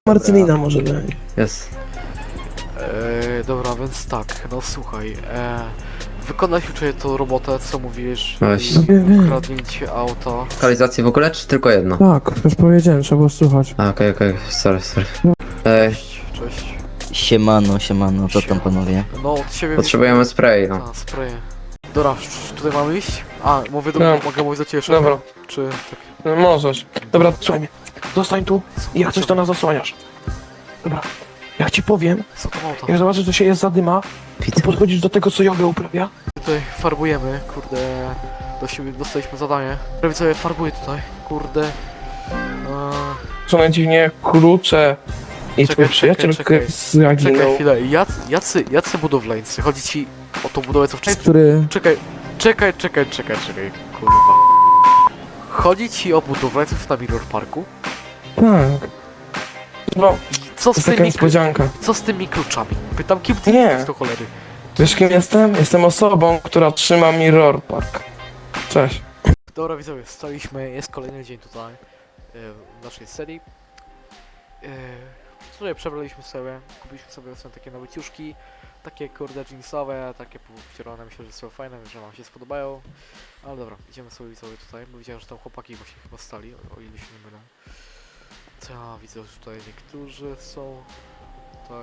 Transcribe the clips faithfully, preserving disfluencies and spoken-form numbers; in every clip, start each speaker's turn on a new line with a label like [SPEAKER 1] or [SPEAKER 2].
[SPEAKER 1] Marcelina może być.
[SPEAKER 2] Jest.
[SPEAKER 3] Eee, dobra, więc tak, no słuchaj, e, wykonać uczę tą robotę, co mówisz,
[SPEAKER 2] Właśnie.
[SPEAKER 1] Wiem, wiem.
[SPEAKER 3] kradnięcie auta.
[SPEAKER 2] Lokalizację w ogóle, czy tylko jedno?
[SPEAKER 1] Tak, już powiedziałem, trzeba było słuchać.
[SPEAKER 2] A, okej, okej, sorry, sorry. Ej,
[SPEAKER 3] Cześć, cześć.
[SPEAKER 4] Siemano, siemano, co tam panowie?
[SPEAKER 3] No od ciebie...
[SPEAKER 2] potrzebujemy spray, no.
[SPEAKER 3] A, spray. Dobra, c- tutaj mamy iść? A, mówię do
[SPEAKER 1] No.
[SPEAKER 3] mogę mówić do ciebie, czy-
[SPEAKER 1] Dobra.
[SPEAKER 3] czy... tak.
[SPEAKER 1] No możesz. Dobra, słuchaj mnie. Zostań tu i jak coś to nas zasłaniasz. Dobra. Jak ci powiem,
[SPEAKER 3] Co to auto?
[SPEAKER 1] jak zobaczysz, że się jest zadyma, to
[SPEAKER 2] Widzę.
[SPEAKER 1] podchodzisz do tego, co jogę uprawia.
[SPEAKER 3] Tutaj farbujemy, kurde... Dostaliśmy, dostaliśmy zadanie. Prawie sobie farbuję tutaj, kurde... Eee,
[SPEAKER 1] Co najdziwniej, klucze i
[SPEAKER 3] Czekaj,
[SPEAKER 1] twój
[SPEAKER 3] czekaj,
[SPEAKER 1] przyjaciel
[SPEAKER 3] czekaj.
[SPEAKER 1] zaginął.
[SPEAKER 3] czekaj chwilę, jacy, jacy, jacy budowlańcy? Chodzi ci o tą budowę, co wcześniej...
[SPEAKER 1] Który...
[SPEAKER 3] Czekaj, czekaj, czekaj, czekaj, czekaj, kurwa. Chodzi ci o budowlańców na Mirror Parku?
[SPEAKER 1] Tak. No,
[SPEAKER 3] I co
[SPEAKER 1] to
[SPEAKER 3] z
[SPEAKER 1] jest taka
[SPEAKER 3] tymi,
[SPEAKER 1] niespodzianka.
[SPEAKER 3] co z tymi kluczami? Pytam, kim ty
[SPEAKER 1] Nie.
[SPEAKER 3] jesteś do cholery?
[SPEAKER 1] Wiesz kim jestem? Jestem osobą, która trzyma Mirror Park. Cześć.
[SPEAKER 3] Dobra widzowie, staliśmy, jest kolejny dzień tutaj, e, w naszej serii. E, Tutaj przebraliśmy sobie, kupiliśmy sobie są takie nowe ciuszki, takie kurde jeansowe, takie powcierane, myślę, że są fajne, że wam się spodobają. Ale dobra, idziemy sobie widzowie tutaj, bo widziałem, że tam chłopaki właśnie chyba stali, o, o ile się nie mylę. Co ja widzę, że tutaj niektórzy są tutaj.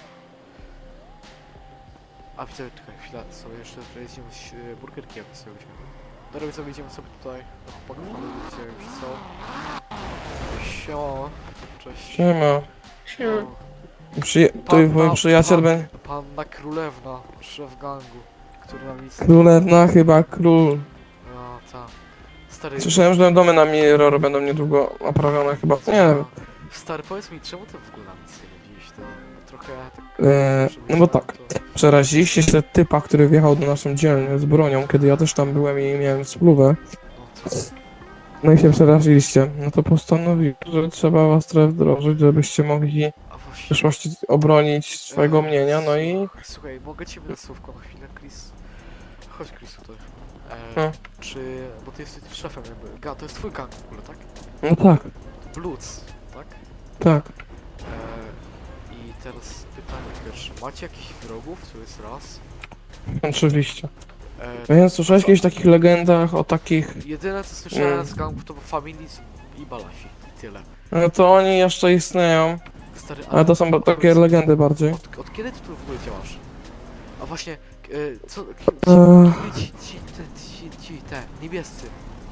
[SPEAKER 3] A widzę, czekaj chwilę, sobie jeszcze tutaj jedziemy z e, burgerkiem sobie weźmiemy. Dobra widzowie, idziemy sobie tutaj do chłopaków, ale widzicie już są. Siema, cześć.
[SPEAKER 1] Siema.
[SPEAKER 3] O,
[SPEAKER 1] Przyja tu mój przyjaciel będzie...
[SPEAKER 3] Panna Królewna, szef gangu, który nam nic...
[SPEAKER 1] Królewna chyba król.
[SPEAKER 3] No, ta. Stary...
[SPEAKER 1] Słyszałem, że domy na Mirror będą niedługo naprawione chyba. Nie wiem.
[SPEAKER 3] Stary, powiedz mi, czemu ty w ogóle nam nic nie mówiłeś, to trochę tak...
[SPEAKER 1] Eee, no bo tak.
[SPEAKER 3] To...
[SPEAKER 1] Przeraziliście się typa, który wjechał do naszą dzielnię z bronią, kiedy ja też tam byłem i miałem spluwę.
[SPEAKER 3] No, co?
[SPEAKER 1] No i się przeraziliście. No to postanowiłem, że trzeba was trochę wdrożyć, żebyście mogli
[SPEAKER 3] A
[SPEAKER 1] w
[SPEAKER 3] właśnie...
[SPEAKER 1] przyszłości obronić swojego mienia, no i...
[SPEAKER 3] Słuchaj, mogę ciebie na słówko na chwilę, Chris? Chodź, Chris, tutaj. E,
[SPEAKER 1] No.
[SPEAKER 3] Czy... bo ty jesteś szefem jakby... Ga, to jest twój gang w ogóle, tak?
[SPEAKER 1] No tak,
[SPEAKER 3] Bloods, tak?
[SPEAKER 1] tak.
[SPEAKER 3] E, I teraz pytanie pierwsze. Macie jakichś wrogów? To jest raz.
[SPEAKER 1] Oczywiście.
[SPEAKER 3] E,
[SPEAKER 1] Więc słyszałeś kiedyś o takich legendach, o takich...
[SPEAKER 3] Jedyne co słyszałem
[SPEAKER 1] Nie.
[SPEAKER 3] z gangów to Familis i Balasi. I tyle.
[SPEAKER 1] No to oni jeszcze istnieją,
[SPEAKER 3] Stary,
[SPEAKER 1] ale to są ba- takie legendy bardziej.
[SPEAKER 3] Od, od kiedy ty tu w ogóle działasz? A właśnie, e, co... Ci,
[SPEAKER 1] Eee.
[SPEAKER 3] ci, ci, te, ci, ci, te, niebiescy.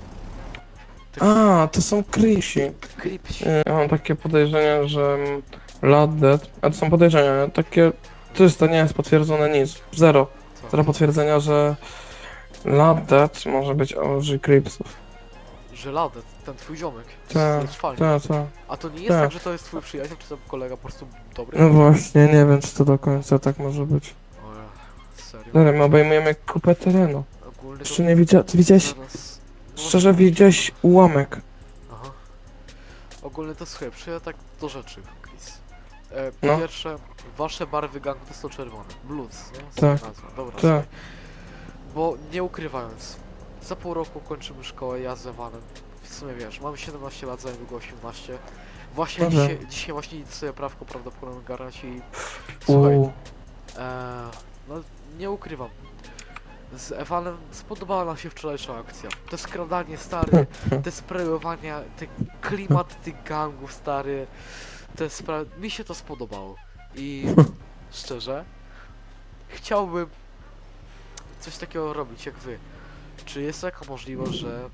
[SPEAKER 3] Te
[SPEAKER 1] A, to są Krisi.
[SPEAKER 3] Kripsi.
[SPEAKER 1] Ja mam takie podejrzenie, że Laddet, a to są podejrzenia, takie czyste, nie jest potwierdzone nic, zero.
[SPEAKER 3] Co?
[SPEAKER 1] Zero potwierdzenia, że Laddet może być O G Cripsów.
[SPEAKER 3] Żeladę, ten twój ziomek.
[SPEAKER 1] Tak,
[SPEAKER 3] z fali.
[SPEAKER 1] Tak, tak.
[SPEAKER 3] A to nie jest
[SPEAKER 1] tak.
[SPEAKER 3] tak, że to jest twój przyjaciel, czy to kolega po prostu dobry?
[SPEAKER 1] No właśnie, nie wiem czy to do końca tak może być.
[SPEAKER 3] O, ja, serio?
[SPEAKER 1] Dobra, my obejmujemy kupę terenu.
[SPEAKER 3] Ogólnie
[SPEAKER 1] Jeszcze nie widziałeś, ty widziałeś,
[SPEAKER 3] Zaraz... no
[SPEAKER 1] szczerze
[SPEAKER 3] właśnie-
[SPEAKER 1] widziałeś ułamek.
[SPEAKER 3] Aha. Ogólnie to słuchaj, przyjdę tak do rzeczy, Chris. E, po
[SPEAKER 1] No.
[SPEAKER 3] pierwsze, wasze barwy gangu to są czerwone. Bloods, nie?
[SPEAKER 1] Tak.
[SPEAKER 3] Sama nazwa. Dobra,
[SPEAKER 1] Tak.
[SPEAKER 3] słuchaj. Bo nie ukrywając, za pół roku kończymy szkołę, ja z Evanem. W sumie wiesz, mam siedemnaście lat, za niedługo osiemnaście. Właśnie
[SPEAKER 1] Dobra.
[SPEAKER 3] dzisiaj, dzisiaj właśnie idę sobie prawko prawdopodobnie garać i... Słuchaj,
[SPEAKER 1] Uuu.
[SPEAKER 3] e, no nie ukrywam. Z Evanem spodobała nam się wczorajsza akcja. To skradanie stary, te sprayowania, te klimat tych gangów stary, te spra... mi się to spodobało. I szczerze, chciałbym coś takiego robić jak wy. Czy jest taka możliwość, że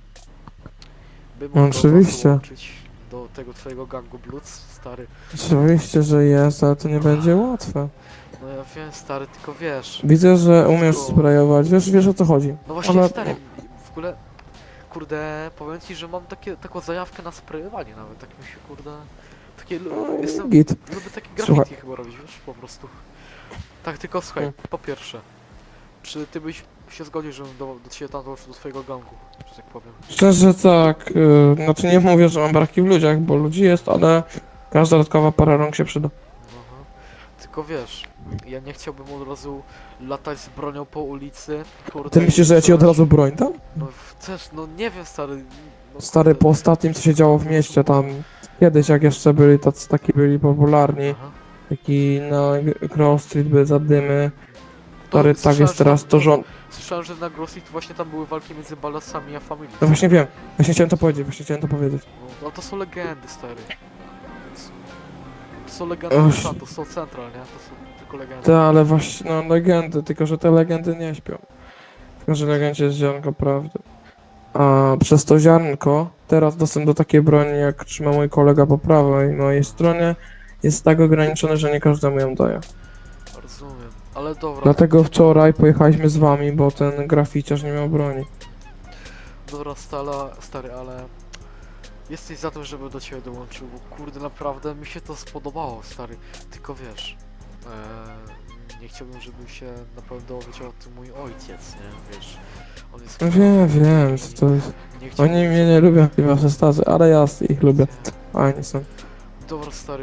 [SPEAKER 3] bym mógł was
[SPEAKER 1] Oczywiście.
[SPEAKER 3] dołączyć do tego twojego gangu Bloods, stary?
[SPEAKER 1] Oczywiście, że jest, ale to nie będzie łatwe.
[SPEAKER 3] No ja wiem, stary, tylko wiesz.
[SPEAKER 1] Widzę, że umiesz
[SPEAKER 3] Tylko-
[SPEAKER 1] sprayować, wiesz, wiesz o co chodzi.
[SPEAKER 3] No właśnie,
[SPEAKER 1] Ale-
[SPEAKER 3] stary, w ogóle, kurde, powiem ci, że mam takie, taką zajawkę na sprayowanie nawet, tak mi się, kurde, takie, lu-
[SPEAKER 1] No,
[SPEAKER 3] jestem,
[SPEAKER 1] git.
[SPEAKER 3] lubię takie
[SPEAKER 1] Słuchaj.
[SPEAKER 3] graffiti chyba robić, wiesz, po prostu. Tak, tylko słuchaj,
[SPEAKER 1] Hmm.
[SPEAKER 3] po pierwsze, czy ty byś się zgodził, żebym do, do ciebie tam dołączył do twojego gangu, że tak powiem?
[SPEAKER 1] Szczerze tak, yy, znaczy nie mówię, że mam braki w ludziach, bo ludzi jest, ale każda dodatkowa para rąk się przyda.
[SPEAKER 3] Aha. Tylko wiesz, ja nie chciałbym od razu latać z bronią po ulicy, kurde.
[SPEAKER 1] Ty myślisz, że ja ci od
[SPEAKER 3] strzelać-
[SPEAKER 1] razu broń dam?
[SPEAKER 3] No chcesz, no nie wiem stary, No,
[SPEAKER 1] Stary,
[SPEAKER 3] kurde.
[SPEAKER 1] po ostatnim co się działo w mieście tam, kiedyś jak jeszcze byli tacy, taki byli popularni,
[SPEAKER 3] Aha.
[SPEAKER 1] taki na Grove Street były zadymy,
[SPEAKER 3] To
[SPEAKER 1] stary, tak
[SPEAKER 3] słyszałem,
[SPEAKER 1] jest
[SPEAKER 3] że
[SPEAKER 1] teraz,
[SPEAKER 3] tam-
[SPEAKER 1] to rząd...
[SPEAKER 3] Słyszałem, że na Grossit właśnie tam były walki między Balasami a Familią.
[SPEAKER 1] No właśnie wiem, właśnie chciałem to powiedzieć, właśnie chciałem to powiedzieć.
[SPEAKER 3] No, no to są legendy, stary. Więc- To są legendy
[SPEAKER 1] Uff.
[SPEAKER 3] Los Santos, są central, nie? To są tylko legendy.
[SPEAKER 1] Te, ale właśnie, no legendy, tylko że te legendy nie śpią. Tylko że legendzie jest ziarnko prawdy. A przez to ziarnko, teraz dostęp do takiej broni, jak trzyma mój kolega po prawej mojej stronie, jest tak ograniczony, że nie każdemu ją daje.
[SPEAKER 3] Rozumiem. Ale dobra,
[SPEAKER 1] Dlatego wczoraj pojechaliśmy z wami, bo ten graficiarz nie miał broni.
[SPEAKER 3] dobra stala, stary, ale... Jesteś za tym, żeby do ciebie dołączył, bo kurde, naprawdę mi się to spodobało, stary. Tylko wiesz... E, nie chciałbym, żeby się na pewno dowiedział o tym mój ojciec, nie? Wiesz... On jest...
[SPEAKER 1] No wiem, wiem, co to jest.
[SPEAKER 3] Nie chciałbym,
[SPEAKER 1] Oni mnie nie lubią, i wasze starzy, ale ja ich lubię. A oni są.
[SPEAKER 3] Dobra, stary.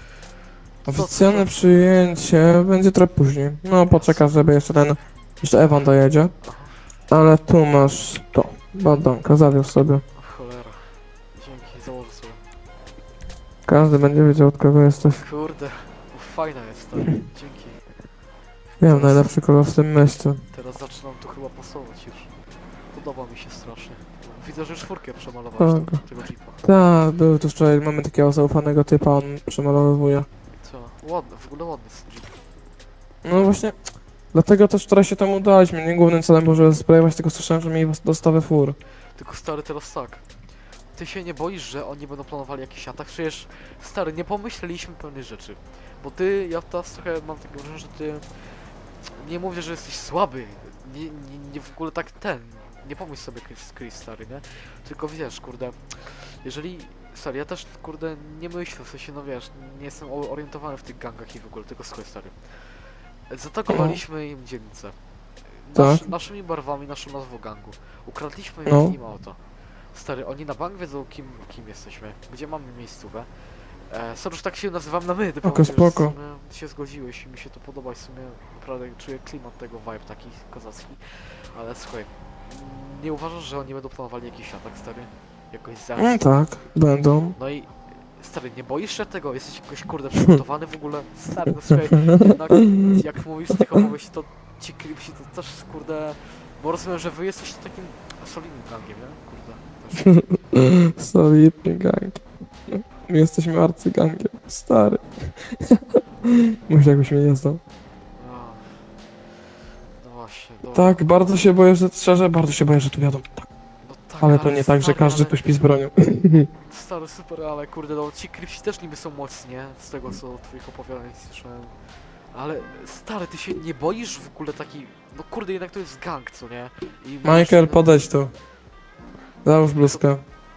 [SPEAKER 1] Oficjalne przyjęcie będzie trochę później. No poczekaj, żeby jeszcze ten... Jeszcze Ewan dojedzie.
[SPEAKER 3] Aha.
[SPEAKER 1] Ale tu masz to. Badanka, zawiózł sobie.
[SPEAKER 3] Cholera. Dzięki, założę sobie.
[SPEAKER 1] Każdy będzie wiedział, od kogo jesteś.
[SPEAKER 3] Kurde, fajna jest ta. Dzięki.
[SPEAKER 1] Wiem, najlepszy kolor w tym mieście.
[SPEAKER 3] Teraz zaczynam tu chyba pasować już. Podoba mi się strasznie. Widzę, że czwórkę przemalowałeś
[SPEAKER 1] Tak.
[SPEAKER 3] tam, tego jeepa.
[SPEAKER 1] Tak, był tu wczoraj, mamy takiego zaufanego typa, on przemalowuje.
[SPEAKER 3] Co? Ładny, w ogóle ładny jest ten jeep.
[SPEAKER 1] No właśnie, dlatego też wczoraj się temu udaliśmy. Nie głównym celem było, żeby sprawować, tylko słyszałem, że mieli dostawę fur.
[SPEAKER 3] Tylko stary, teraz tak. Ty się nie boisz, że oni będą planowali jakiś atak? Przecież, stary, nie pomyśleliśmy pewnych rzeczy. Bo ty, ja teraz trochę mam takie wrażenie, że ty... Nie mówię, że jesteś słaby. Nie, nie, nie w ogóle tak ten... Nie pomyśl sobie Chris, Chris, stary, nie? Tylko wiesz, kurde... Jeżeli... Stary, ja też, kurde, nie myślę, w sensie, no wiesz, nie jestem o- orientowany w tych gangach i w ogóle, tylko słuchaj, stary. Zaatakowaliśmy im dzielnicę. Nasz,
[SPEAKER 1] Tak.
[SPEAKER 3] Naszymi barwami, naszą nazwą gangu. Ukradliśmy
[SPEAKER 1] No.
[SPEAKER 3] im auto. Stary, oni na bank wiedzą, kim, kim jesteśmy, gdzie mamy miejscówę. E, sorry, że tak się nazywam na my, ty
[SPEAKER 1] Spoko,
[SPEAKER 3] powiem, że
[SPEAKER 1] spoko.
[SPEAKER 3] w sumie się zgodziłeś i mi się to podoba i w sumie naprawdę czuję klimat tego vibe taki kozacki. Ale słuchaj, nie uważasz, że oni będą planowali jakiś atak, stary? Jakoś
[SPEAKER 1] No
[SPEAKER 3] zemstę?
[SPEAKER 1] tak, będą.
[SPEAKER 3] No i stary, nie boisz się tego? Jesteś jakoś kurde przygotowany w ogóle? Stary, no słuchaj, jednak jak mówisz z tych opowieści, to ci kripsi to też kurde... Bo rozumiem, że wy jesteście takim solidnym gangiem, nie? Kurde. Też.
[SPEAKER 1] Solidny gang. My jesteśmy arcygangiem. Stary. Może jakbyś mnie nie znał.
[SPEAKER 3] No, no właśnie, dobra.
[SPEAKER 1] Tak, bardzo się boję, że szczerze, bardzo się boję, że tu jadą. Tak.
[SPEAKER 3] No tak,
[SPEAKER 1] Ale to nie tak, że
[SPEAKER 3] stary,
[SPEAKER 1] każdy
[SPEAKER 3] ale-
[SPEAKER 1] tu śpi z bronią.
[SPEAKER 3] Stary, super, ale kurde, no ci kripsi też niby są mocni, nie? Z tego co twoich opowiadań słyszałem. Ale stary, ty się nie boisz w ogóle taki... No kurde, jednak to jest gang, co nie? I
[SPEAKER 1] Michael,
[SPEAKER 3] no-
[SPEAKER 1] podejdź tu. Załóż bluzkę.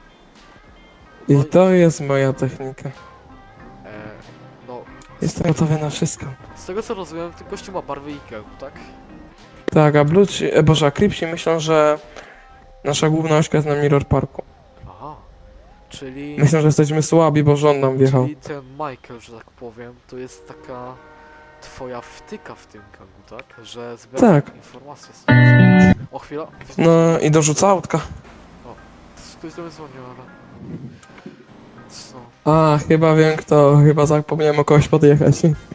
[SPEAKER 1] I
[SPEAKER 3] no
[SPEAKER 1] to jest moja technika.
[SPEAKER 3] E, no,
[SPEAKER 1] Jestem gotowy na wszystko.
[SPEAKER 3] z tego co rozumiem, ten gościu ma barwy Ikea, tak?
[SPEAKER 1] Tak, a Bluci, e, Boże, a Cripsi myślą, że nasza główna ośka jest na Mirror Parku.
[SPEAKER 3] Aha. Czyli...
[SPEAKER 1] Myślą, że jesteśmy słabi, bo rząd nam wjechał.
[SPEAKER 3] Czyli ten Michael, że tak powiem, to jest taka twoja wtyka w tym gangu, tak? Że zbiera
[SPEAKER 1] Tak.
[SPEAKER 3] informacje z O, chwila.
[SPEAKER 1] No i dorzuca autka.
[SPEAKER 3] Ktoś do mnie dzwonił, ale... Co?
[SPEAKER 1] A, chyba wiem kto, chyba zapomniałem o kogoś podjechać.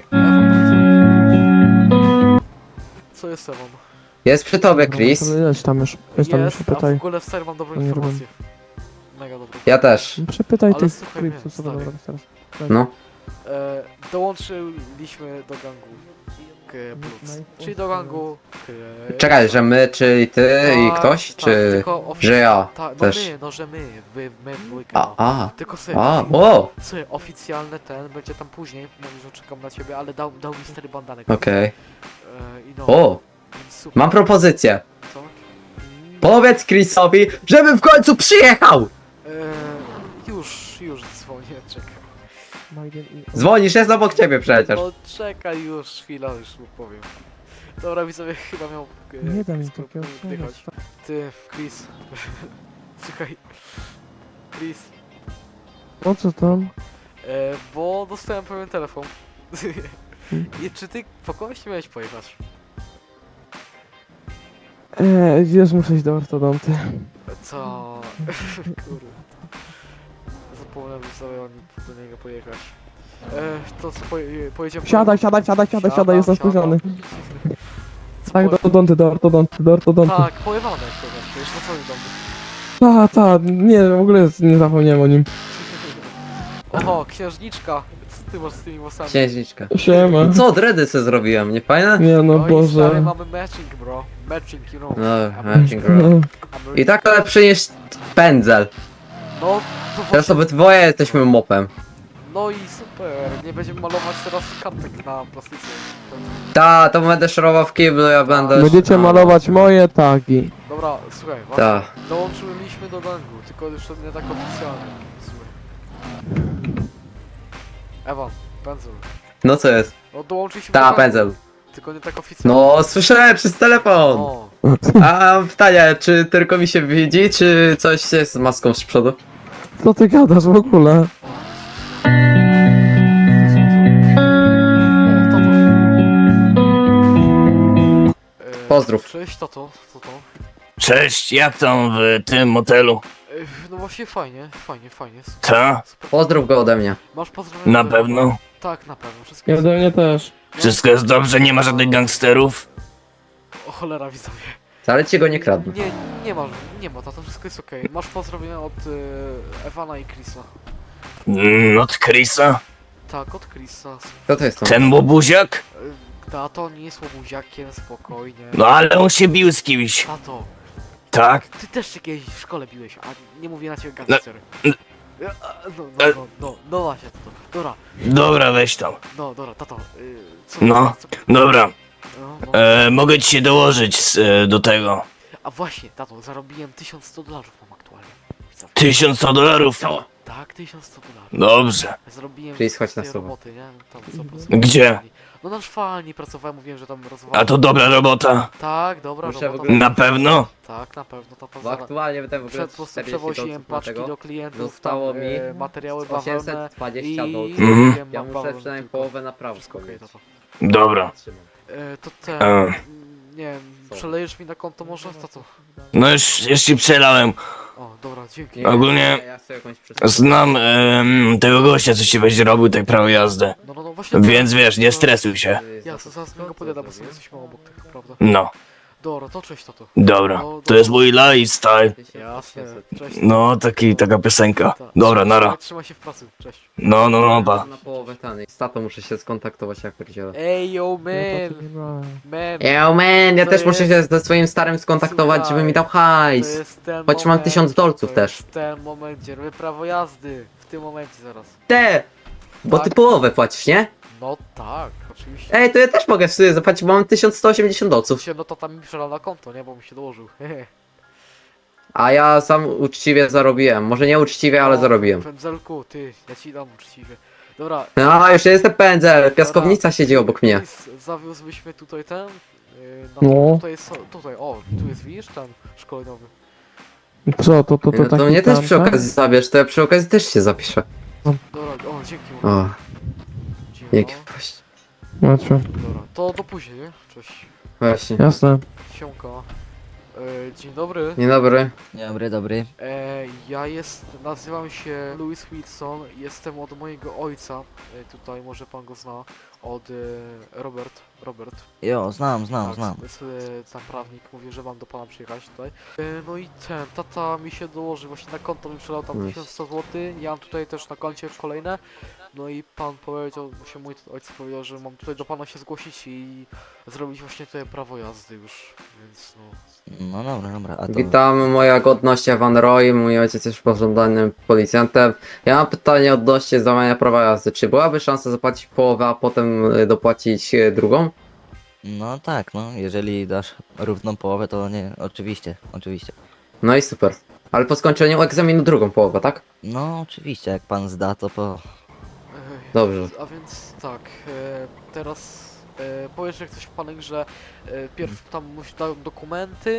[SPEAKER 3] Co jest Ewan?
[SPEAKER 2] Jest przy tobie, Chris.
[SPEAKER 1] Jedź tam już, jedź tam już,
[SPEAKER 3] Jest, a w
[SPEAKER 1] pytaj.
[SPEAKER 3] ogóle w serii mam dobrą
[SPEAKER 1] To nie
[SPEAKER 3] informację. Mega dobrą.
[SPEAKER 2] Ja też.
[SPEAKER 1] Przepytaj
[SPEAKER 3] Ale
[SPEAKER 1] tych
[SPEAKER 3] słuchaj
[SPEAKER 1] Cripsów,
[SPEAKER 3] mnie,
[SPEAKER 1] co będą
[SPEAKER 3] stary.
[SPEAKER 1] robić teraz.
[SPEAKER 2] No.
[SPEAKER 3] E, dołączyliśmy do gangu K Bloods. Czyli do gangu K...
[SPEAKER 2] Czekaj, że my, czy ty i
[SPEAKER 3] Tak,
[SPEAKER 2] ktoś,
[SPEAKER 3] tak,
[SPEAKER 2] czy...
[SPEAKER 3] tylko ofic-
[SPEAKER 2] że ja
[SPEAKER 3] Ta, no
[SPEAKER 2] też.
[SPEAKER 3] my, no że my, wy, my w dwójkę,
[SPEAKER 2] A,
[SPEAKER 3] no.
[SPEAKER 2] a,
[SPEAKER 3] Tylko sobie,
[SPEAKER 2] a, o,
[SPEAKER 3] sobie oficjalny ten, będzie tam później, mówi, że czekam na ciebie, ale dał, dał mi stary bandanek.
[SPEAKER 2] okej.
[SPEAKER 3] E, I no,
[SPEAKER 2] O,
[SPEAKER 3] więc super.
[SPEAKER 2] mam propozycję.
[SPEAKER 3] Co?
[SPEAKER 2] Powiedz Chrisowi, żeby w końcu przyjechał!
[SPEAKER 3] E, już, już dzwonię, czekaj.
[SPEAKER 2] Dzwonisz, jest obok ciebie przecież.
[SPEAKER 3] No czekaj już, chwila, już mu powiem. Dobra, widzowie, chyba miał... E,
[SPEAKER 1] Nie dam mi
[SPEAKER 3] Chris
[SPEAKER 1] takiego
[SPEAKER 3] oddychać. Ty, Chris. Słuchaj. Chris.
[SPEAKER 1] O co tam?
[SPEAKER 3] E, bo dostałem pewien telefon. I czy ty po kogoś nie miałeś pojechać?
[SPEAKER 1] Eee, wiesz, muszę iść do ortodonty.
[SPEAKER 3] Co? Kurde. Zapomniałem sobie do niego pojechać. E, to co, poje, pojedziemy...
[SPEAKER 1] Siadaj, siadaj, siadaj, siadaj, siadaj, jestem
[SPEAKER 3] siadam.
[SPEAKER 1] spóźniony.
[SPEAKER 3] Co,
[SPEAKER 1] Tak,
[SPEAKER 3] po-
[SPEAKER 1] do odonty, do ortodonty, do ortodonty.
[SPEAKER 3] Tak, pojechane to już na cały dom.
[SPEAKER 1] Ta, ta, nie, w ogóle nie zapomniałem o nim.
[SPEAKER 3] Oho, księżniczka! Co ty masz z tymi włosami?
[SPEAKER 2] Księżniczka.
[SPEAKER 1] Siema.
[SPEAKER 2] I co, dredy se zrobiłem, nie fajne?
[SPEAKER 1] Nie no,
[SPEAKER 3] No i stary,
[SPEAKER 1] Boże.
[SPEAKER 3] mamy matching, bro. Matching, you know.
[SPEAKER 2] No,
[SPEAKER 3] Amer-
[SPEAKER 2] matching roll. I tak lepszy niż pędzel.
[SPEAKER 3] No, to
[SPEAKER 2] Teraz
[SPEAKER 3] właśnie...
[SPEAKER 2] obydwoje jesteśmy mopem.
[SPEAKER 3] No i super. Nie będziemy malować teraz kartek na plastyce.
[SPEAKER 2] Ta, to będę szorował w kiblu, ja będę...
[SPEAKER 1] Będziecie
[SPEAKER 2] no.
[SPEAKER 1] malować moje tagi.
[SPEAKER 3] Dobra, słuchaj, właśnie.
[SPEAKER 2] Ta.
[SPEAKER 3] Dołączyliśmy do gangu, tylko już to nie tak oficjalnie. Słuchaj. Ewan, pędzel.
[SPEAKER 2] No co jest?
[SPEAKER 3] No dołączyliśmy do
[SPEAKER 2] Ta,
[SPEAKER 3] gangu,
[SPEAKER 2] pędzel.
[SPEAKER 3] tylko nie tak oficjalnie.
[SPEAKER 2] No, słyszałem przez telefon.
[SPEAKER 3] O,
[SPEAKER 2] A mam pytanie, czy tylko mi się widzi, czy coś jest z maską z przodu?
[SPEAKER 1] Co ty gadasz w ogóle?
[SPEAKER 3] o, tato. E,
[SPEAKER 2] Pozdrów.
[SPEAKER 3] Cześć, tato, co to?
[SPEAKER 5] Cześć, jak tam w tym motelu?
[SPEAKER 3] E, No właśnie fajnie, fajnie, fajnie. Super,
[SPEAKER 5] Ta?
[SPEAKER 3] super.
[SPEAKER 2] Pozdrów go ode mnie.
[SPEAKER 3] Masz pozdrowienia?
[SPEAKER 5] Na
[SPEAKER 3] ode mnie?
[SPEAKER 5] pewno?
[SPEAKER 3] Tak, na pewno, wszystko
[SPEAKER 1] Ja
[SPEAKER 3] jest...
[SPEAKER 1] do mnie też.
[SPEAKER 5] Wszystko jest dobrze, nie ma żadnych gangsterów?
[SPEAKER 3] O cholera, widzowie.
[SPEAKER 2] Wcale ci go nie kradnę.
[SPEAKER 3] Nie, nie ma, nie ma, tato, wszystko jest okej. Masz pozdrowienia od e, Ewana i Chrisa.
[SPEAKER 5] Mm, od Chrisa?
[SPEAKER 3] Tak, od Chrisa.
[SPEAKER 2] Kto to jest to?
[SPEAKER 5] Ten łobuziak?
[SPEAKER 3] E, Tato nie jest łobuziakiem, spokojnie.
[SPEAKER 5] No ale on się bił z kimś.
[SPEAKER 3] Tato,
[SPEAKER 5] Tak?
[SPEAKER 3] ty też się kiedyś w szkole biłeś, a nie mówię na ciebie gangster.
[SPEAKER 5] n-
[SPEAKER 3] E, a, No, no, no, no, no właśnie, tato. Dobra,
[SPEAKER 5] Dobra, weź tam.
[SPEAKER 3] no, dobra, tato. y, Co,
[SPEAKER 5] No.
[SPEAKER 3] co,
[SPEAKER 5] Dobra,
[SPEAKER 3] no, no.
[SPEAKER 5] e, mogę ci się dołożyć z, e, do tego.
[SPEAKER 3] A właśnie, tato, zarobiłem tysiąc sto dolarów mam aktualnie. Widzowie.
[SPEAKER 5] tysiąc sto dolarów.
[SPEAKER 3] Tak, tysiąc sto dolarów.
[SPEAKER 5] Dobrze.
[SPEAKER 3] Zrobiłem
[SPEAKER 2] Czyli schodź na
[SPEAKER 3] tej
[SPEAKER 2] słowo.
[SPEAKER 3] roboty, nie? Tam sto procent.
[SPEAKER 5] Gdzie?
[SPEAKER 3] No na szwalni pracowałem, mówiłem, że tam rozwalałem.
[SPEAKER 5] A to dobra robota.
[SPEAKER 3] Tak, dobra
[SPEAKER 2] Muszę
[SPEAKER 3] robota.
[SPEAKER 2] w ogóle-
[SPEAKER 5] Na pewno?
[SPEAKER 3] Tak, na pewno, to
[SPEAKER 2] Bo aktualnie wydałem w ogóle
[SPEAKER 3] Przed po prostu
[SPEAKER 2] czterdzieści
[SPEAKER 3] przewoziłem
[SPEAKER 2] dolców na
[SPEAKER 3] paczki
[SPEAKER 2] tego.
[SPEAKER 3] do klientów,
[SPEAKER 2] Zostało
[SPEAKER 3] tam,
[SPEAKER 2] mi
[SPEAKER 3] e, materiały bawełnę
[SPEAKER 2] osiemset dwadzieścia
[SPEAKER 3] i
[SPEAKER 2] dolców.
[SPEAKER 5] Mhm.
[SPEAKER 3] zrobiłem
[SPEAKER 2] Ja
[SPEAKER 3] na
[SPEAKER 2] muszę
[SPEAKER 3] bawełnę
[SPEAKER 2] przynajmniej
[SPEAKER 3] tylko.
[SPEAKER 2] połowę napraw
[SPEAKER 3] Wszystko okej,
[SPEAKER 2] skończyć.
[SPEAKER 3] to to.
[SPEAKER 5] Dobra.
[SPEAKER 3] E, to ten,
[SPEAKER 5] E.
[SPEAKER 3] mm, nie wiem,
[SPEAKER 2] Co?
[SPEAKER 3] przelejesz mi na konto może? To co?
[SPEAKER 5] No już, już ci przelałem.
[SPEAKER 3] O, dobra, dzięki.
[SPEAKER 2] Nie,
[SPEAKER 5] Ogólnie-
[SPEAKER 2] nie, ja sobie jakąś przesłankę.
[SPEAKER 5] Znam em, tego gościa, co ci będzie robił tak prawo jazdy.
[SPEAKER 3] No, no, no właśnie.
[SPEAKER 5] Więc wiesz, nie stresuj się.
[SPEAKER 3] Ja zaraz mi go podjadam, bo sobie jesteśmy obok tego, prawda?
[SPEAKER 5] No,
[SPEAKER 3] Dobra, to cześć tato.
[SPEAKER 5] dobra. To jest mój lifestyle.
[SPEAKER 3] Jasne, cześć.
[SPEAKER 5] No, taki, taka piosenka.
[SPEAKER 3] Ta.
[SPEAKER 5] Dobra, nara.
[SPEAKER 3] Trzymaj się w pracy, cześć.
[SPEAKER 5] No, no, no, pa.
[SPEAKER 2] Na połowę taniej. Z tatą muszę się skontaktować jak pierdzielę.
[SPEAKER 3] Ej, yo,
[SPEAKER 1] Ja
[SPEAKER 3] man,
[SPEAKER 1] to nie brałem.
[SPEAKER 3] man.
[SPEAKER 2] Yo man, ja
[SPEAKER 3] To
[SPEAKER 2] też muszę się
[SPEAKER 3] jest-
[SPEAKER 2] ze swoim starym skontaktować,
[SPEAKER 3] Słuchaj,
[SPEAKER 2] żeby mi dał
[SPEAKER 3] To
[SPEAKER 2] hajs.
[SPEAKER 3] jest ten
[SPEAKER 2] Choć mam
[SPEAKER 3] moment,
[SPEAKER 2] tysiąc dolców
[SPEAKER 3] to
[SPEAKER 2] też.
[SPEAKER 3] jest ten moment, gdzie robię prawo jazdy. W tym momencie zaraz.
[SPEAKER 2] Te! Bo ty
[SPEAKER 3] Tak.
[SPEAKER 2] połowę płacisz, nie?
[SPEAKER 3] No tak, oczywiście.
[SPEAKER 2] Ej, to ja też mogę sobie zapłacić, bo mam tysiąc sto osiemdziesiąt dolców.
[SPEAKER 3] Się, no to tam mi przelał na konto, nie? Bo mi się dołożył.
[SPEAKER 2] A ja sam uczciwie zarobiłem. Może nie uczciwie, ale
[SPEAKER 3] O,
[SPEAKER 2] zarobiłem.
[SPEAKER 3] Pędzelku, ty, ja ci dam uczciwie. Dobra.
[SPEAKER 2] No, jeszcze jestem pędzel. Piaskownica siedzi obok mnie.
[SPEAKER 3] Chris, zawiózłbyśmy tutaj ten. Yy, na
[SPEAKER 1] No.
[SPEAKER 3] Tutaj, jest, tutaj, o, tu jest, widzisz, ten szkoleniowy.
[SPEAKER 1] Co, to, to, to
[SPEAKER 2] No to
[SPEAKER 1] taki
[SPEAKER 2] mnie też
[SPEAKER 1] tam,
[SPEAKER 2] przy
[SPEAKER 1] tak?
[SPEAKER 2] okazji zabierz, to ja przy okazji też się zapiszę.
[SPEAKER 3] Dobra, o, dzięki.
[SPEAKER 2] O,
[SPEAKER 3] Dzięki.
[SPEAKER 2] dzięki. Właśnie.
[SPEAKER 1] Macie.
[SPEAKER 3] Dobra, to do później, nie? Cześć.
[SPEAKER 2] Właśnie.
[SPEAKER 1] Jasne.
[SPEAKER 3] Siemka. E, dzień dobry.
[SPEAKER 2] Dzień dobry.
[SPEAKER 4] Dobry, dobry.
[SPEAKER 3] E, ja jest, nazywam się Louis Wilson, jestem od mojego ojca, e, tutaj może pan go zna, od e, Robert, Robert.
[SPEAKER 4] Jo, znam, znam,
[SPEAKER 3] tak,
[SPEAKER 4] znam.
[SPEAKER 3] jest e, tam prawnik, mówi, że mam do pana przyjechać tutaj. E, no i ten, tata mi się dołoży, właśnie na konto mi przelał tam
[SPEAKER 2] Nice.
[SPEAKER 3] tysiąc sto złotych, ja mam tutaj też na koncie kolejne. No i pan powiedział, się mój ojciec powiedział, że mam tutaj do pana się zgłosić i zrobić właśnie tutaj prawo jazdy już, więc no.
[SPEAKER 4] No dobra, dobra, a to...
[SPEAKER 2] Witam, moja godność Evan Roy, mój ojciec jest pożądanym policjantem. Ja mam pytanie odnośnie złamania prawa jazdy. Czy byłaby szansa zapłacić połowę, a potem y, dopłacić y, drugą?
[SPEAKER 4] No tak, no, jeżeli dasz równą połowę, to nie, oczywiście, oczywiście.
[SPEAKER 2] No i super. Ale po skończeniu egzaminu drugą połowę, tak?
[SPEAKER 4] No oczywiście, jak pan zda, to po...
[SPEAKER 3] Ej,
[SPEAKER 2] Dobrze.
[SPEAKER 3] A więc tak, e, teraz e, powiesz jak coś w panek, że e, pierw tam musi dać dokumenty,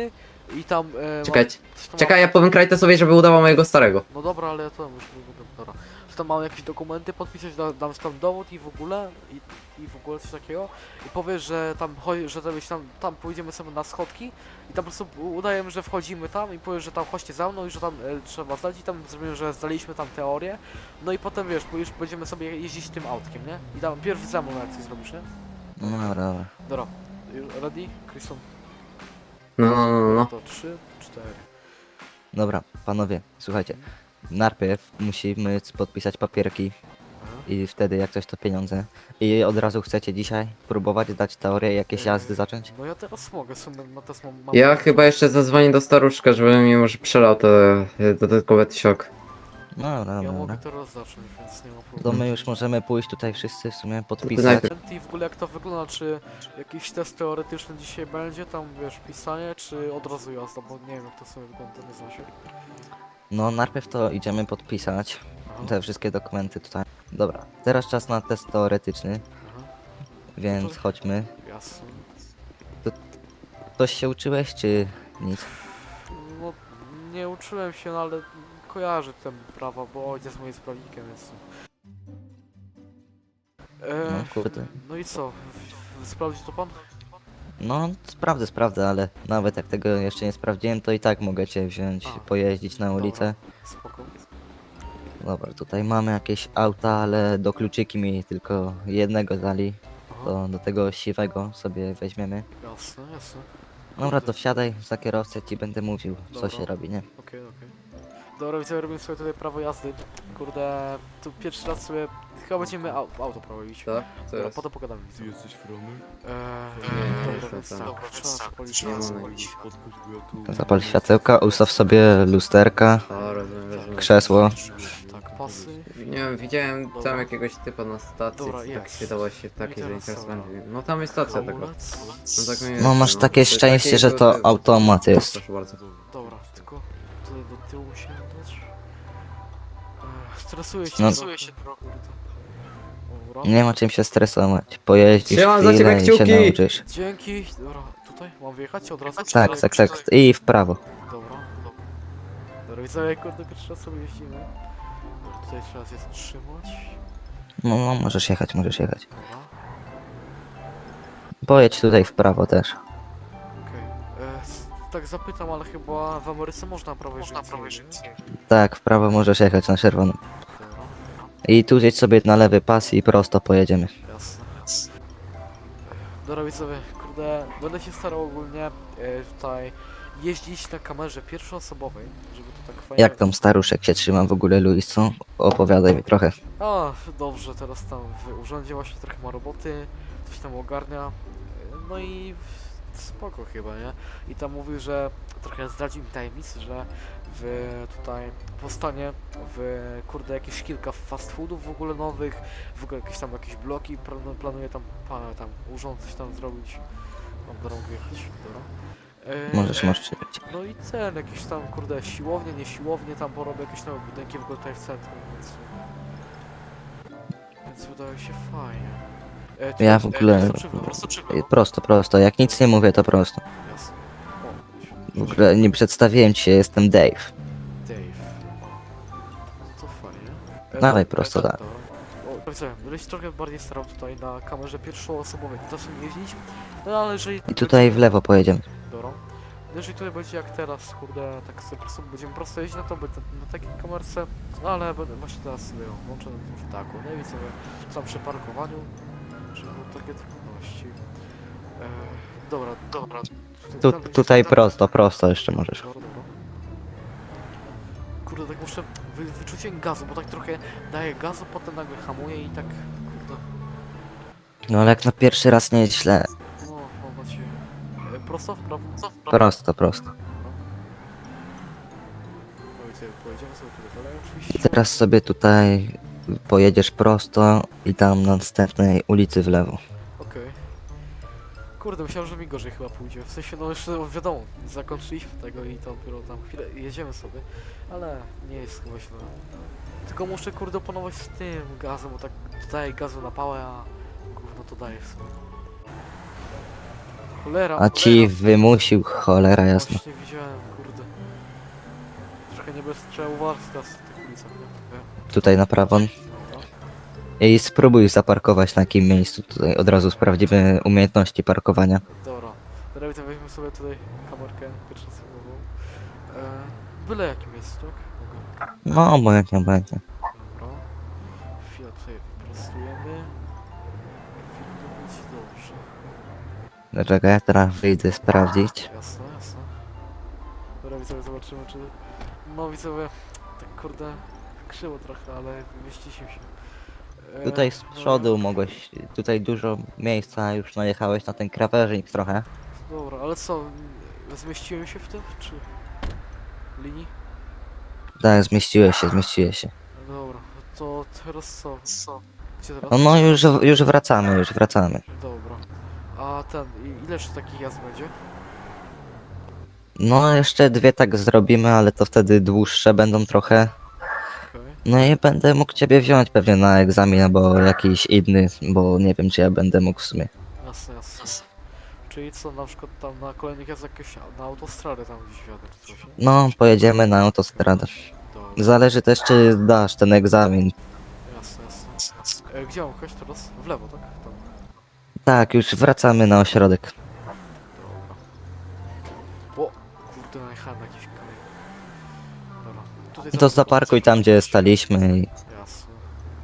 [SPEAKER 3] I tam... E,
[SPEAKER 2] Czekaj,
[SPEAKER 3] mam- coś tam
[SPEAKER 2] czekaj,
[SPEAKER 3] mam-
[SPEAKER 2] ja powiem Krajtesowi, żeby udawał mojego starego.
[SPEAKER 3] No dobra, ale ja to już nie będę, dobra. Czy tam mam jakieś dokumenty podpisać, da, dam tam dowód i w ogóle, i, i w ogóle coś takiego. I powiesz, że tam chodzi, że tam, tam, tam pójdziemy sobie na schodki i tam po prostu udajemy, że wchodzimy tam i powiesz, że tam chodźcie za mną i że tam e, trzeba zdać i tam zrobimy, że zdaliśmy tam teorię. No i potem wiesz, bo już będziemy sobie jeździć tym autkiem, nie? I tam pierwszy za mną jak coś zrobisz, nie?
[SPEAKER 4] No dobra, dobra.
[SPEAKER 3] Dobra. Ready? Kryston?
[SPEAKER 2] No, no, no, no, no.
[SPEAKER 3] To trzy, cztery.
[SPEAKER 4] Dobra, panowie, słuchajcie. Najpierw musimy podpisać papierki
[SPEAKER 3] Aha.
[SPEAKER 4] i wtedy jak coś to pieniądze. I od razu chcecie dzisiaj próbować dać teorię, jakieś jazdy zacząć?
[SPEAKER 3] No ja teraz mogę, w sumie no teraz mam... mam
[SPEAKER 2] Ja chyba jeszcze zadzwonię do staruszka, żeby mi może przelał te e, dodatkowe tysiąc.
[SPEAKER 4] No dobra,
[SPEAKER 3] Ja
[SPEAKER 4] dobra,
[SPEAKER 3] mogę
[SPEAKER 4] dobra.
[SPEAKER 3] teraz zacząć, więc nie ma
[SPEAKER 4] To
[SPEAKER 3] problemu.
[SPEAKER 4] my już możemy pójść tutaj wszyscy w sumie podpisać.
[SPEAKER 2] najpierw-
[SPEAKER 3] I w ogóle jak to wygląda, czy jakiś test teoretyczny dzisiaj będzie, tam wiesz, pisanie, czy od razu jazda, bo nie wiem jak to sobie wygląda, nie znam się.
[SPEAKER 4] No najpierw to idziemy podpisać
[SPEAKER 3] Aha,
[SPEAKER 4] te wszystkie dokumenty tutaj. Dobra, teraz czas na test teoretyczny,
[SPEAKER 3] aha,
[SPEAKER 4] więc chodźmy.
[SPEAKER 3] jasne.
[SPEAKER 4] Coś się uczyłeś, czy nic?
[SPEAKER 3] No, nie uczyłem się, no ale kojarzę ten prawa, bo ojciec mój jest prawnikiem, więc... E,
[SPEAKER 4] No kurde.
[SPEAKER 3] no i co, w- sprawdzi to pan?
[SPEAKER 4] No sprawdzę, sprawdzę, ale nawet jak tego jeszcze nie sprawdziłem, to i tak mogę cię wziąć,
[SPEAKER 3] A,
[SPEAKER 4] pojeździć na ulicę.
[SPEAKER 3] Spoko.
[SPEAKER 4] Dobra, tutaj mamy jakieś auta, ale do kluczyki mi tylko jednego dali.
[SPEAKER 3] Aha,
[SPEAKER 4] To do tego siwego sobie weźmiemy.
[SPEAKER 3] jasne, jasne.
[SPEAKER 4] Dobra, to wsiadaj za kierowcę, ci będę mówił, co
[SPEAKER 3] Dobra.
[SPEAKER 4] się robi, nie?
[SPEAKER 3] Okej, okej. Dobra, widzę, robimy sobie tutaj prawo jazdy. Kurde, tu pierwszy raz sobie chyba będziemy au auto prowadzić.
[SPEAKER 2] Tak? Co
[SPEAKER 3] Dobra,
[SPEAKER 2] jest?
[SPEAKER 3] potem pogadamy. Widzę.
[SPEAKER 6] jesteś fromy?
[SPEAKER 3] Eee,
[SPEAKER 2] Nie, nie
[SPEAKER 3] dobra,
[SPEAKER 2] jestem
[SPEAKER 3] więc
[SPEAKER 2] tam.
[SPEAKER 3] dobra, trzeba policzyć.
[SPEAKER 2] Nie
[SPEAKER 3] Jasne.
[SPEAKER 2] mam.
[SPEAKER 6] Spotkać, bo ja tu...
[SPEAKER 4] Zapal światełka, ustaw sobie lusterka,
[SPEAKER 2] O, rozumiem, rozumiem.
[SPEAKER 4] krzesło.
[SPEAKER 3] Tak, pasy.
[SPEAKER 2] Nie wiem, widziałem
[SPEAKER 3] Dobra.
[SPEAKER 2] tam jakiegoś typa na stacji,
[SPEAKER 3] Dobra,
[SPEAKER 2] tak
[SPEAKER 3] jest.
[SPEAKER 2] się dało się takie, że
[SPEAKER 3] teraz
[SPEAKER 2] teraz
[SPEAKER 3] dobra.
[SPEAKER 2] będzie. No tam jest stacja taka.
[SPEAKER 3] Hamulec.
[SPEAKER 2] No, tak mniej
[SPEAKER 4] No
[SPEAKER 2] więcej,
[SPEAKER 4] masz takie
[SPEAKER 2] To
[SPEAKER 4] szczęście,
[SPEAKER 2] takie,
[SPEAKER 4] że to
[SPEAKER 2] że-
[SPEAKER 4] automat jest.
[SPEAKER 2] Proszę bardzo.
[SPEAKER 3] Dobra, tylko tutaj do tyłu musimy dać. Eee, stresuję się,
[SPEAKER 4] No.
[SPEAKER 3] stresuję się trochę. Dobra.
[SPEAKER 4] Nie ma czym się stresować. Pojeździsz
[SPEAKER 2] Trzymam za ciebie
[SPEAKER 4] chwilę i się
[SPEAKER 2] kciuki.
[SPEAKER 4] nauczysz.
[SPEAKER 3] Dzięki. Dobra, tutaj mam wyjechać od razu? czy
[SPEAKER 4] Tak,
[SPEAKER 3] tutaj-
[SPEAKER 4] tak, tak. I w prawo.
[SPEAKER 3] Dobra, dobra. Dobra, widzowie, kurde, pierwszy raz sobie jeździmy. Dobra, tutaj trzeba się zatrzymać.
[SPEAKER 4] No, no, możesz jechać, możesz jechać.
[SPEAKER 3] Dobra,
[SPEAKER 4] Pojedź tutaj w prawo też.
[SPEAKER 3] okej. E, s- Tak zapytam, ale chyba w Ameryce można prawo jeździć.
[SPEAKER 4] Tak, w prawo możesz jechać na czerwonym.
[SPEAKER 3] Dobra,
[SPEAKER 4] I tu zjedź sobie na lewy pas i prosto pojedziemy.
[SPEAKER 3] jasne. Dobra, widzowie, kurde, będę się starał ogólnie e, tutaj jeździć na kamerze pierwszoosobowej, żeby to tak fajnie...
[SPEAKER 4] Jak tam staruszek się trzyma w ogóle, Luis, co? Opowiadaj mi trochę.
[SPEAKER 3] A, dobrze, teraz tam w urzędzie właśnie trochę ma roboty, coś tam ogarnia, no i spoko chyba, nie? I tam mówił, że trochę zdradził mi tajemnicę, że w tutaj powstanie w kurde jakieś kilka fast foodów w ogóle nowych, w ogóle jakieś tam jakieś bloki, plan- planuje tam pana tam urząd coś tam zrobić, mam drogę jechać, dobra. E,
[SPEAKER 4] Możesz, możesz jechać.
[SPEAKER 3] no i ten, jakieś tam, kurde, siłownie, nie siłownie, tam porobię jakieś nowe budynki w ogóle tutaj w centrum, więc... Więc wydaje się fajnie. E, tu-
[SPEAKER 4] Ja w
[SPEAKER 3] e,
[SPEAKER 4] ogóle-
[SPEAKER 3] prosto czy w lewo? Prosto czy w lewo?
[SPEAKER 4] Prosto, prosto. Jak nic nie mówię, to prosto.
[SPEAKER 3] Jasne. O,
[SPEAKER 4] W ogóle nie przedstawiłem ci się, jestem Dave.
[SPEAKER 3] Dave. No to fajnie. E,
[SPEAKER 4] Dawaj
[SPEAKER 3] do-
[SPEAKER 4] prosto,
[SPEAKER 3] e,
[SPEAKER 4] tak.
[SPEAKER 3] dobra. O, co, będę się trochę bardziej starał tutaj na kamerze pierwszoosobowej, nie zacznę jeździć, no ale jeżeli...
[SPEAKER 4] I tutaj w lewo pojedziemy.
[SPEAKER 3] Dobra. No jeżeli tutaj będzie jak teraz, kurde, tak sobie po prostu będziemy prosto jeździć na to, będę na takiej kamerce, no ale będę właśnie teraz sobie ją włączę na tym ptaku, no i widzę, że tam przy parkowaniu, że będą takie trudności. E, dobra, dobra.
[SPEAKER 4] Tu,
[SPEAKER 3] tam-
[SPEAKER 4] tutaj
[SPEAKER 3] tam-
[SPEAKER 4] prosto, prosto jeszcze możesz.
[SPEAKER 3] Dobra, dobra. Kurde, tak muszę wy, wyczucie gazu, bo tak trochę daję gazu, potem nagle hamuję i tak, kurde,
[SPEAKER 4] No ale jak na pierwszy raz nie jest źle.
[SPEAKER 3] no, mam nadzieję. E, prosto w prawo? Co w prawo?
[SPEAKER 4] Prosto, prosto.
[SPEAKER 3] Powiedzmy, pojedziemy sobie tutaj dalej oczywiście.
[SPEAKER 4] Teraz sobie tutaj pojedziesz prosto i tam na następnej ulicy w lewo.
[SPEAKER 3] Okej. Kurde, myślałem, że mi gorzej chyba pójdzie. W sensie, no jeszcze no, wiadomo, zakończyliśmy tego i to dopiero tam chwilę jedziemy sobie, ale nie jest chyba źle. Tylko muszę kurde opanować z tym gazem, bo tak daję gazu na pałę, a gówno to daje w sumie. Cholera,
[SPEAKER 4] A ci
[SPEAKER 3] cholera.
[SPEAKER 4] wymusił, cholera jasna.
[SPEAKER 3] Właśnie widziałem, kurde. Trochę nie bez trzeba uważać teraz w tych ulicach, nie? Nie?
[SPEAKER 4] Tutaj na prawo.
[SPEAKER 3] Dobra.
[SPEAKER 4] I spróbuj zaparkować na jakim miejscu. Tutaj od razu sprawdzimy umiejętności parkowania.
[SPEAKER 3] Dobra. Teraz widzę, weźmy sobie tutaj kamerkę pierwszoosobową. E, byle jakim miejscu, tak? Mogę.
[SPEAKER 4] No, obojętnie, obojętnie.
[SPEAKER 3] Dobra. Chwilę tutaj wyprostujemy. Powinno być dobrze.
[SPEAKER 4] Dlaczego ja teraz wyjdę sprawdzić?
[SPEAKER 3] Jasne, jasne. Dobra, widzowie, zobaczymy, czy... No, widzowie, tak kurde, krzywo trochę, ale wymieściliśmy się. E,
[SPEAKER 4] Tutaj z przodu mogłeś, tutaj dużo miejsca, już najechałeś na ten krawężnik trochę.
[SPEAKER 3] Dobra, ale co, zmieściłem się w tym, czy... linii?
[SPEAKER 4] Tak, zmieściłeś się, zmieściłeś się.
[SPEAKER 3] Dobra, to teraz co? Co? Gdzie teraz?
[SPEAKER 4] No, no już, już wracamy, już wracamy.
[SPEAKER 3] Dobra. A ten, i- ile jeszcze takich jazd będzie?
[SPEAKER 4] No, jeszcze dwie tak zrobimy, ale to wtedy dłuższe będą trochę.
[SPEAKER 3] Okej.
[SPEAKER 4] No i będę mógł ciebie wziąć pewnie na egzamin albo jakiś inny, bo nie wiem czy ja będę mógł w sumie.
[SPEAKER 3] Jasne, jasne. Czyli co, na przykład tam na kolejnych jazdach jakieś na autostradę tam gdzieś wjadę czy coś? nie?
[SPEAKER 4] No, pojedziemy na autostradę.
[SPEAKER 3] Dobra,
[SPEAKER 4] Zależy też czy dasz ten egzamin.
[SPEAKER 3] jasne, jasne. E, gdzie mam jechać teraz? W lewo, tak? Tam.
[SPEAKER 4] Tak, już wracamy na ośrodek.
[SPEAKER 3] Dobra. O, kurde, najechałem na jakiś kamień. Dobra. Tutaj
[SPEAKER 4] To
[SPEAKER 3] zaraz-
[SPEAKER 4] zaparkuj tam gdzie staliśmy i
[SPEAKER 3] Jasne.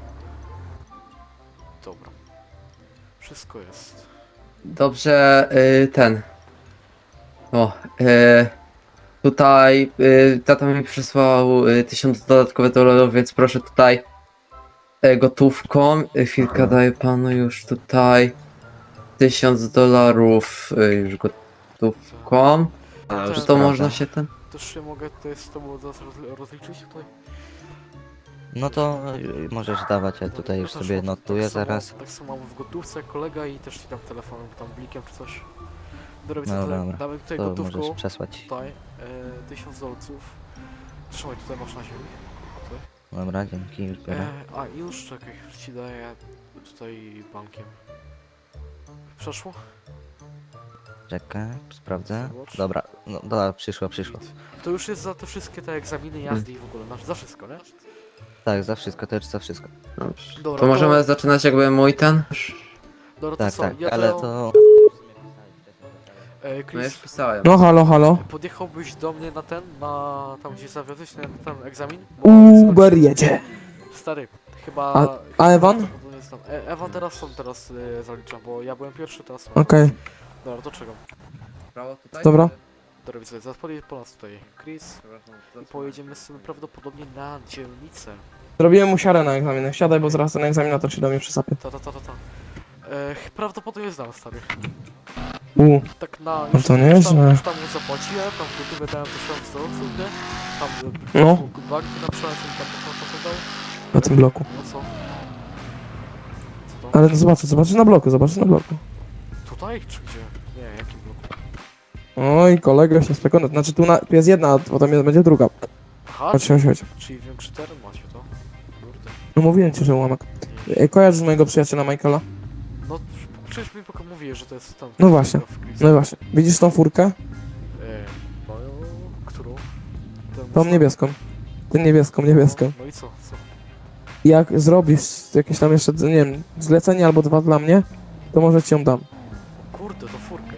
[SPEAKER 3] Dobra. Wszystko jest.
[SPEAKER 2] Dobrze, y, ten. O, y, tutaj y, tata mi przysłał y, tysiąc dodatkowych dolarów, więc proszę tutaj y, gotówką. Y, chwilkę daję panu już tutaj tysiąc dolarów y, już gotówką.
[SPEAKER 3] A,
[SPEAKER 2] Czy
[SPEAKER 3] ten-
[SPEAKER 2] to można się ten?
[SPEAKER 3] Też się mogę tutaj z tobą zaraz roz- rozliczyć tutaj?
[SPEAKER 4] no to y, możesz dawać, ja tutaj już
[SPEAKER 3] No też
[SPEAKER 4] sobie
[SPEAKER 3] mam-
[SPEAKER 4] notuję
[SPEAKER 3] tak samo-
[SPEAKER 4] zaraz.
[SPEAKER 3] Tak samo mam w gotówce kolega i też ci dam telefonem, tam blikiem czy coś. Dobra,
[SPEAKER 4] No
[SPEAKER 3] tutaj,
[SPEAKER 4] dobra,
[SPEAKER 3] damy tutaj
[SPEAKER 4] To
[SPEAKER 3] gotówką,
[SPEAKER 4] możesz przesłać.
[SPEAKER 3] tutaj, e, tysiąc dolców. Trzymaj, tutaj masz na ziemi. Tutaj.
[SPEAKER 4] Dobra, dzięki, już biorę.
[SPEAKER 3] E, a i już czekaj, ci daję tutaj bankiem. Przeszło?
[SPEAKER 4] Czekaj, sprawdzę.
[SPEAKER 3] Zobacz.
[SPEAKER 4] Dobra, no dobra, przyszło, przyszło.
[SPEAKER 3] To już jest za te wszystkie te egzaminy, jazdy i w ogóle, masz za wszystko, nie?
[SPEAKER 4] Tak, za wszystko, to już za wszystko.
[SPEAKER 2] Dobrze.
[SPEAKER 3] Dobra,
[SPEAKER 2] To możemy zaczynać jakby mój ten?
[SPEAKER 3] Dobra, to
[SPEAKER 4] Tak,
[SPEAKER 3] co,
[SPEAKER 4] tak,
[SPEAKER 3] ja
[SPEAKER 4] ale
[SPEAKER 3] to...
[SPEAKER 4] to...
[SPEAKER 3] E,
[SPEAKER 2] No już
[SPEAKER 3] Chris,
[SPEAKER 2] pisałem.
[SPEAKER 1] No halo, halo.
[SPEAKER 3] podjechałbyś do mnie na ten, na tam gdzie zawiozłeś na ten egzamin? Bo
[SPEAKER 1] Uber
[SPEAKER 3] skończy-
[SPEAKER 1] jedzie.
[SPEAKER 3] Stary, chyba...
[SPEAKER 1] A-
[SPEAKER 3] chyba
[SPEAKER 1] a Ewan?
[SPEAKER 3] to nie znam. E, Ewan teraz są, teraz y, zaliczam, bo ja byłem pierwszy, teraz są.
[SPEAKER 1] Okej,
[SPEAKER 3] Dobra, to czego?
[SPEAKER 2] Prawo tutaj?
[SPEAKER 1] Dobra.
[SPEAKER 3] Dobra, widzę, zaraz podjedzie po nas tutaj Chris i pojedziemy sobie prawdopodobnie na dzielnicę.
[SPEAKER 1] zrobiłem mu siarę na egzamin. Siadaj, bo zaraz ten egzaminator się do mnie przysapie.
[SPEAKER 3] Ta, ta, ta, ta, ta. E, prawdopodobnie znam, stary.
[SPEAKER 1] U,
[SPEAKER 3] Tak na...
[SPEAKER 1] No to
[SPEAKER 3] już
[SPEAKER 1] nieźle.
[SPEAKER 3] tam, już tam mu zapłaciłem, tam gotówę dałem tysiąc dolców, nie? Tam
[SPEAKER 1] No.
[SPEAKER 3] no. banki na przykład, tam to co to dał.
[SPEAKER 1] na tym bloku.
[SPEAKER 3] No co? Co to?
[SPEAKER 1] Ale zobaczę, zobaczysz na bloku, zobaczysz na bloku.
[SPEAKER 3] Tutaj czy gdzie? Nie, jakim bloku?
[SPEAKER 1] Oj, kolega się spekona. Znaczy tu, na, tu jest jedna, a potem jest, będzie druga.
[SPEAKER 3] Aha,
[SPEAKER 1] Chodź, chodź, chodź.
[SPEAKER 3] czyli większy teren macie to? Kurde.
[SPEAKER 1] No mówiłem ci, że ułamek.
[SPEAKER 3] Nie.
[SPEAKER 1] Ej, kojarzysz mojego przyjaciela Michaela?
[SPEAKER 3] No przecież mi tylko mówię, że to jest tam.
[SPEAKER 1] No właśnie.
[SPEAKER 3] w Chris.
[SPEAKER 1] No i właśnie. Widzisz tą furkę?
[SPEAKER 3] E, no, którą? Tę
[SPEAKER 1] Tą niebieską. Tę niebieską, niebieską.
[SPEAKER 3] No, no i co? Co?
[SPEAKER 1] Jak zrobisz jakieś tam jeszcze, nie wiem, zlecenie albo dwa dla mnie, to może ci ją dam.
[SPEAKER 3] Kurde, to furkę.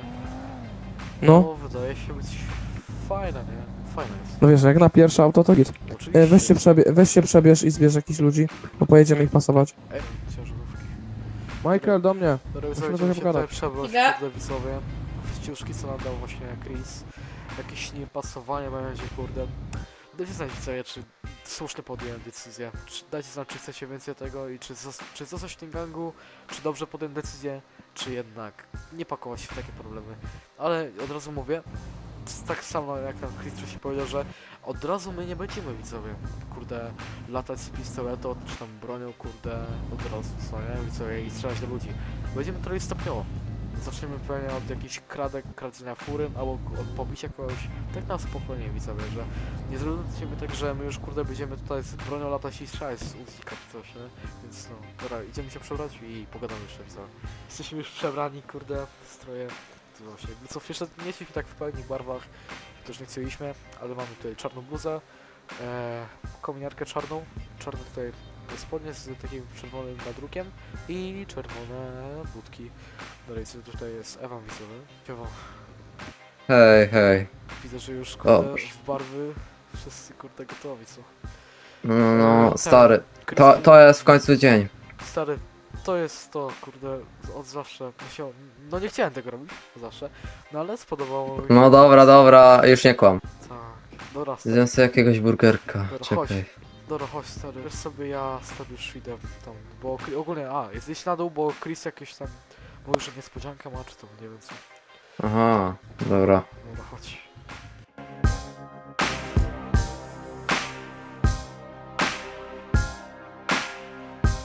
[SPEAKER 1] No,
[SPEAKER 3] wydaje się być fajna, nie? Fajna jest.
[SPEAKER 1] no wiesz, jak na pierwsze auto to git.
[SPEAKER 3] Oczywiście.
[SPEAKER 1] E, weź, się przebie weź się przebierz i zbierz jakichś ludzi, bo pojedziemy ich pasować.
[SPEAKER 3] Ej, ciężarówki.
[SPEAKER 1] Michael, do mnie.
[SPEAKER 3] Dobra,
[SPEAKER 1] Musimy
[SPEAKER 3] widzowie,
[SPEAKER 1] trochę
[SPEAKER 3] się tutaj
[SPEAKER 1] pogadać.
[SPEAKER 3] przebrać,
[SPEAKER 6] Idę.
[SPEAKER 3] kurde, widzowie. Wyściuszki, co nam dał właśnie Chris. Jakieś niepasowanie będzie, kurde. Dajcie znać, widzowie, czy słusznie podjąłem decyzję. Czy, dajcie znać, czy chcecie więcej tego i czy, zos czy zostać w tym gangu, czy dobrze podjąłem decyzję, czy jednak nie pakować się w takie problemy. Ale od razu mówię, s- tak samo jak tam Chris wcześniej powiedział, że od razu my nie będziemy, widzowie, kurde, latać z pistoletu, czy tam bronią, kurde, od razu, co nie, widzowie, i strzelać do ludzi. Będziemy trochę stopniowo. Zaczniemy pewnie od jakichś kradek, kradzenia fury, albo od pobicia kogoś, tak na spokojnie, widzowie, że nie zrobimy tak, że my już, kurde, będziemy tutaj z bronią latać i strzelać z uzika czy coś, nie? Więc no, dobra, idziemy się przebrać i pogadamy jeszcze, co. Jesteśmy już przebrani, kurde, w stroje to właśnie, co jeszcze nie jesteśmy tak w pełni barwach, też nie chcieliśmy, ale mamy tutaj czarną bluzę, e, kominiarkę czarną, czarne tutaj spodnie z takim czerwonym nadrukiem i czerwone budki. Dalej, co tutaj jest Ewan widzowy. Ewa,
[SPEAKER 2] Hej, hej.
[SPEAKER 3] widzę, że już
[SPEAKER 2] O,
[SPEAKER 3] kurde
[SPEAKER 2] Boże.
[SPEAKER 3] w barwy wszyscy kurde gotowi, co?
[SPEAKER 2] No, no,
[SPEAKER 3] ten,
[SPEAKER 2] stary. To,
[SPEAKER 3] Krystian-
[SPEAKER 2] to jest w końcu dzień.
[SPEAKER 3] Stary, to jest to, kurde, od zawsze. Musiał, no nie chciałem tego robić, od zawsze, no ale spodobało mi się.
[SPEAKER 2] No dobra, dobra, już nie kłam.
[SPEAKER 3] Tak, dobra, stary,
[SPEAKER 2] Zjem sobie jakiegoś burgerka.
[SPEAKER 3] Dobra, chodź.
[SPEAKER 2] Czekaj.
[SPEAKER 3] dobra, chodź, stary, wiesz sobie, ja stary już idę tam, bo Kri- ogólnie, a, jest iść na dół, bo Chris jakieś tam, mówił, że niespodziankę ma, czy to, nie wiem co.
[SPEAKER 2] Aha, dobra.
[SPEAKER 3] Dobra, chodź.